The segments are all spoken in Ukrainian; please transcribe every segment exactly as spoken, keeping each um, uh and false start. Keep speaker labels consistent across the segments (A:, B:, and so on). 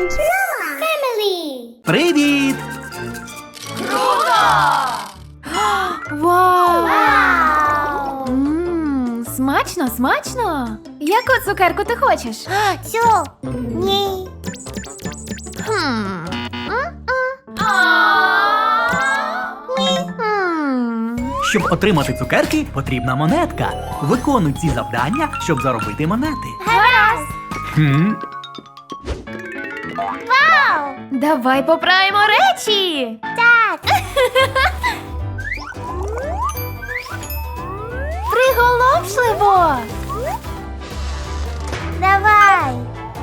A: Family.
B: Привіт!
C: Вау!
A: Вау!
C: Ммм, смачно, смачно! Яку цукерку ти хочеш?
A: Цю. Ні.
C: Хм. Хм.
B: Щоб отримати цукерки, потрібна монетка. Виконуй ці завдання, щоб заробити монети.
A: Гаразд.
B: Хм.
A: Вау!
C: Давай поправимо речі!
A: Так.
C: Приголомшливо!
A: Давай.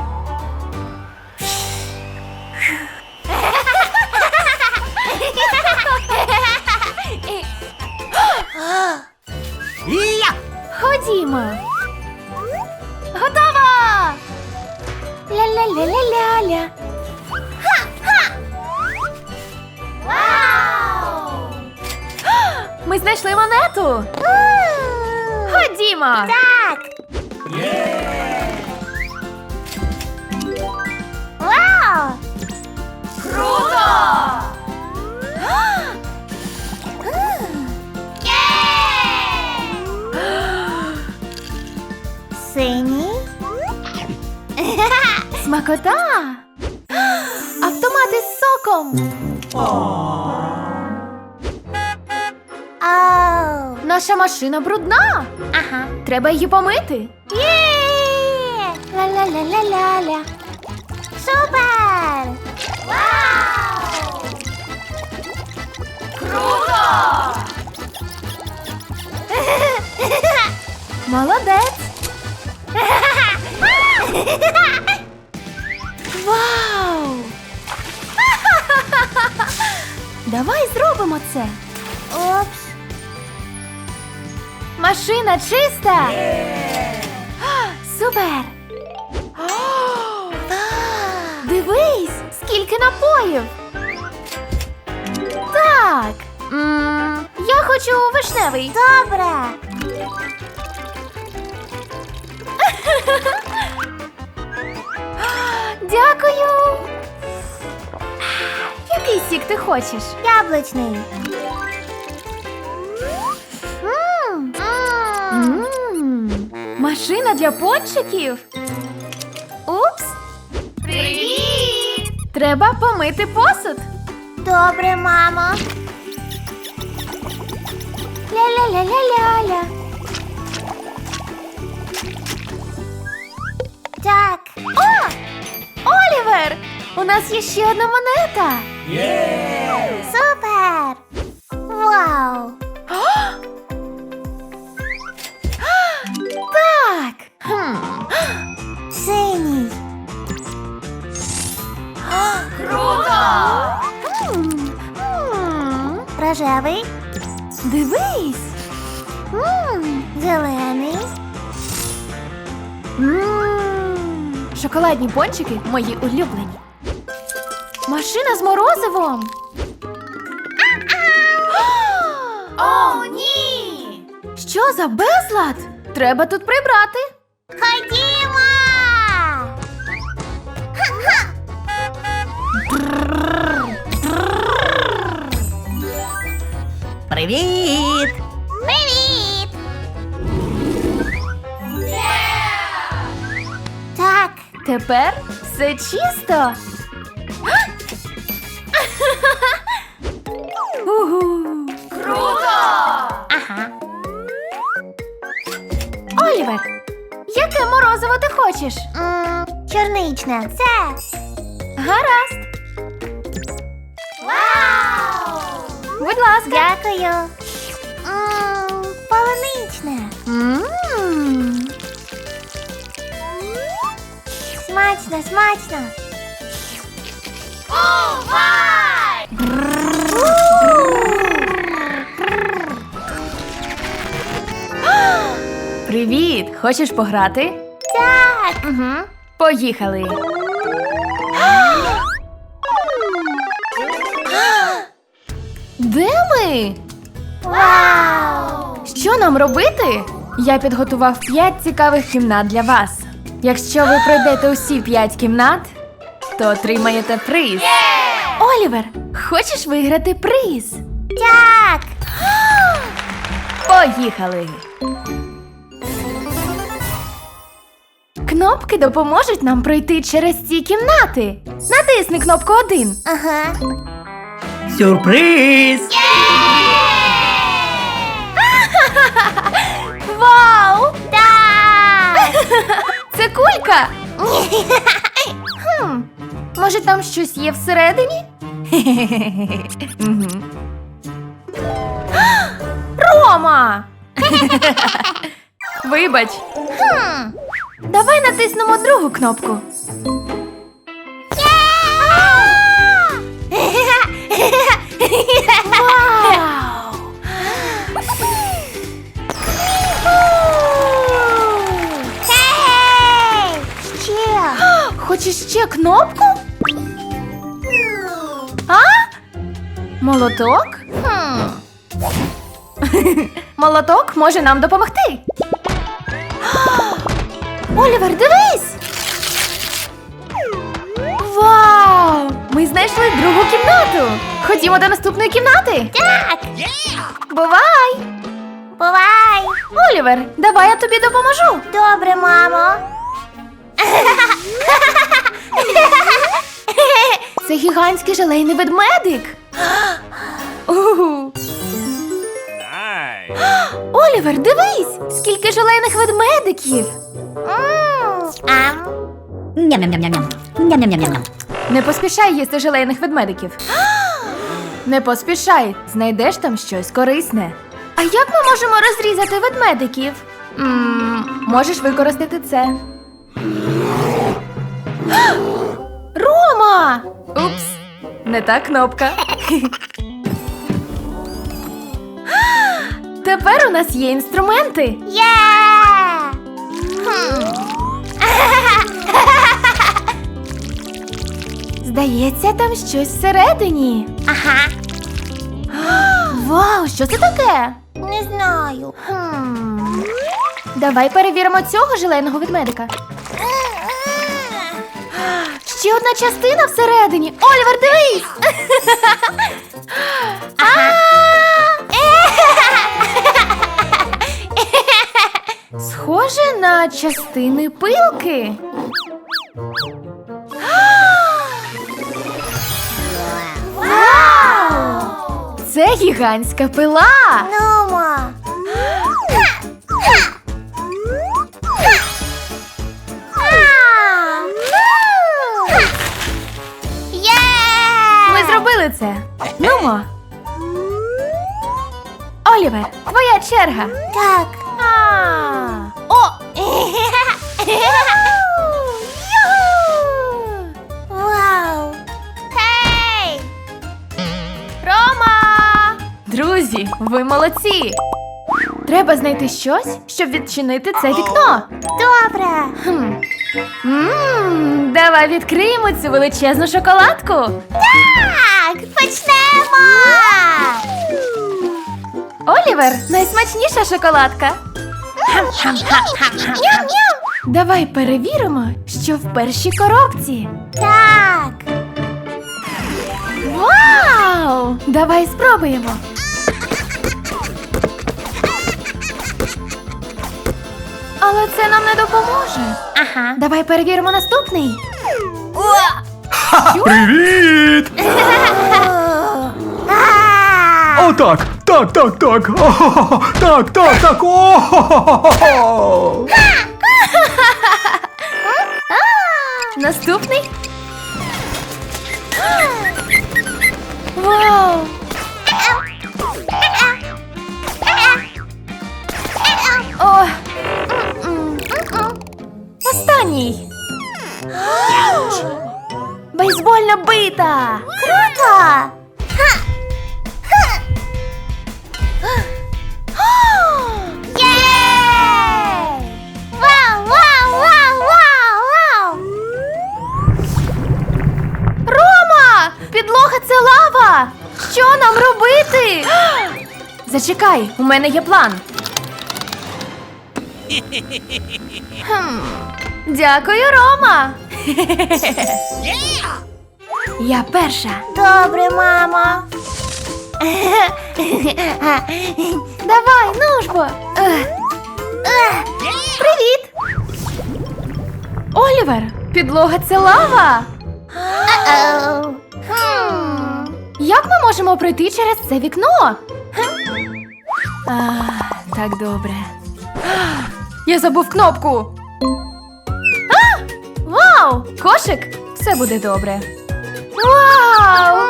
B: Ія!
C: Ходімо! Готово! Ля-ля-ля-ля-ля-ля!
A: Вау!
C: Ми знайшли монету! Ходімо!
A: Так. Вау!
C: Круто!
A: Синій.
C: Смакота! Автомати з соком!
A: Оу.
C: Наша машина брудна!
A: Ага.
C: Треба її помити!
A: Є! Ла-ла-ла-ла-ля-ля. Супер! Вау!
C: Круто! Молодець! Вау! Давай зробимо це!
A: Упс.
C: Машина чиста! Супер! Дивись, скільки напоїв! Так! М, я хочу вишневий.
A: Добре.
C: Дякую! Який сік ти хочеш?
A: Яблучний. Мм. Мм.
C: М, Машина для пончиків? Упс!
A: Привіт!
C: Треба помити посуд.
A: Добре, мамо.
C: Ля-ля-ля-ля-ля-ля.
A: Так.
C: О! Олівер! У нас є ще одна монета.
A: Супер! Вау!
C: Так. Хм.
A: Синій.
C: Круто!
A: М.
C: М,
A: Рожевий.
C: Дивись.
A: М. Зелений.
C: М, Шоколадні пончики мої улюблені. Машина з морозивом.
A: О, ні!
C: Що за безлад? Треба тут прибрати.
A: Ходімо!
B: Привіт!
A: Привіт! Так.
C: Тепер все чисто. Угу. Круто!
A: Ага.
C: Олівер, яке морозиво ти хочеш?
A: М, Чорничне. Це.
C: Гаразд.
A: Вау!
C: Будь ласка.
A: Дякую. М, Полуничне.
C: М.
A: Смачно, смачно.
C: Привіт! Хочеш пограти?
A: Так.
C: Угу. Поїхали. Де ми?
A: Вау!
C: Що нам робити? Я підготував п'ять цікавих кімнат для вас. Якщо ви пройдете усі п'ять кімнат, то отримаєте приз. Олівер, хочеш виграти приз?
A: Так.
C: Поїхали! Кнопки допоможуть нам пройти через ці кімнати. Натисни кнопку один.
A: Ага.
B: Сюрприз!
C: Вау!
A: Так.
C: Це кулька! Хм, може там щось є всередині? Мгм. Рома! Вибач.
A: Хм.
C: Давай натиснемо другу кнопку. Вау!
A: Хей! Ще.
C: Хочеш ще кнопку? А? Молоток?
A: Хм.
C: Молоток може нам допомогти. Олівер, дивись! Вау! Ми знайшли другу кімнату. Ходімо до наступної кімнати.
A: Так.
C: Бувай!
A: Бувай.
C: Олівер, давай я тобі допоможу.
A: Добре, мамо.
C: Це гігантський желейний ведмедик. Угу. Олівер, дивись! Скільки желейних ведмедиків!
A: М, Ам.
D: Ням-ням-ням-ням. Ням-ням-ням-ням.
C: Не поспішай їсти желейних ведмедиків. Не поспішай, знайдеш там щось корисне. А як ми можемо розрізати ведмедиків? М, можеш використати це. Рома! Упс, не та кнопка. Тепер у нас є інструменти.
A: Є! Хм.
C: Здається, там щось всередині.
A: Ага.
C: Вау, що це таке?
A: Не знаю.
C: Хм. Давай перевіримо цього желейного ведмедика. Ще одна частина всередині. Олівер, дивись!
A: Ага.
C: Схоже на частини пилки.
A: Вау!
C: Це гігантська пила.
A: Нумо. Є!
C: Ми зробили це. Нумо. Олівер, твоя черга.
A: Так.
C: А.
A: О! Вау! Хей!
C: Рома! Друзі, ви молодці! Треба знайти щось, щоб відчинити це вікно.
A: Добре.
C: Хм. Мм, давай відкриємо цю величезну шоколадку.
A: Так, почнемо!
C: Олівер, найсмачніша шоколадка.
A: Ням-ням!
C: Давай перевіримо, що в першій коробці.
A: Так.
C: Вау! Давай спробуємо. Але це нам не допоможе.
A: Ага.
C: Давай перевіримо наступний.
B: Привіт!
A: А!
B: О, так, так, так, так. О, так, так, так. О!
C: Наступний. Вау! О! Останній. Бейсбольна бита.
A: Круто! Ха! Ха! Єй! Вау, вау, вау, вау, вау!
C: Рома! Підлога це лава! Що нам робити? Зачекай, у мене є план. Хм. Дякую, Рома! Я перша.
A: Добре, мамо.
C: Давай, ну ж бо. Ех. Привіт! Олівер, підлога це лава.
A: Е-оу. Хм.
C: Як ми можемо пройти через це вікно? А, так добре. Я забув кнопку. А! Вау! Кошик! Все буде добре. Вау!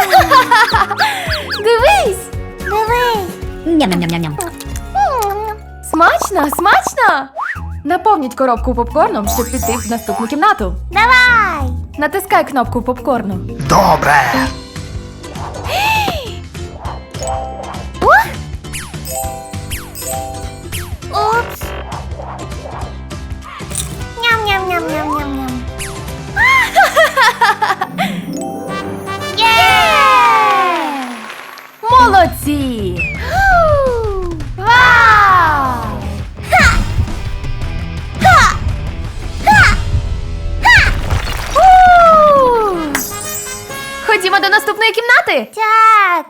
C: Дивись!
A: Дивись.
D: Ням-ням-ням-ням.
A: М.
C: Смачно, смачно! Наповніть коробку попкорном, щоб піти в наступну кімнату.
A: Давай.
C: Натискай кнопку попкорну.
B: Добре.
A: Упс. Ням-ням-ням-ням-ням-ням. Є!
C: Молодці!
A: Вау! Ха! Ха! Ха!
C: У! Ходімо до наступної кімнати.
A: Так.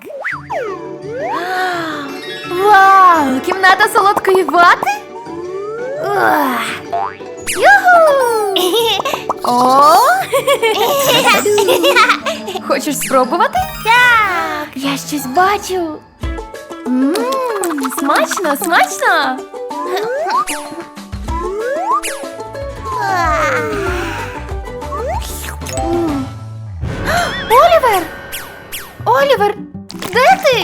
C: Вау! Кімната солодкої вати?
A: Ух.
C: Юху! О! Хочеш спробувати?
A: Так.
C: Я щось бачу. Мм, смачно, смачно. М. Олівер! Олівер, де ти?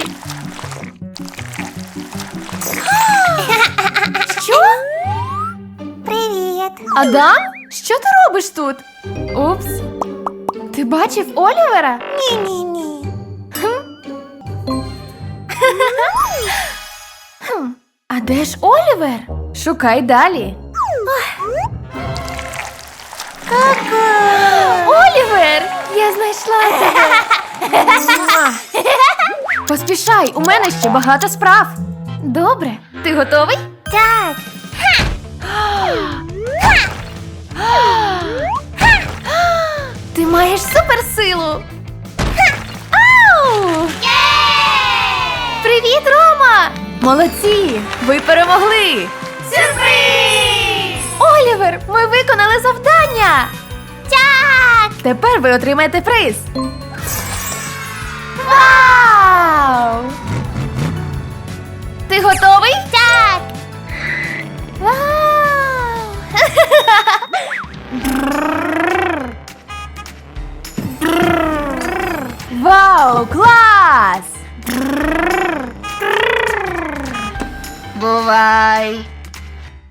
C: Що?
A: Привіт.
C: Адам? Що ти робиш тут? Упс. Ти бачив Олівера?
A: Ні-ні-ні.
C: Хм, а де ж Олівер? Шукай далі.
A: Ку-ку.
C: Олівер! Я знайшла тебе! Муа. Поспішай, у мене ще багато справ. Добре, ти готовий?
A: Так.
C: Ти маєш суперсилу! Ау! Привіт, Рома! Молодці! Ви перемогли!
A: Сюрприз!
C: Олівер, ми виконали завдання!
A: Так.
C: Тепер ви отримаєте приз! Вау! Ти готовий?
A: Так.
C: Вау! Вау, клас! Бувай!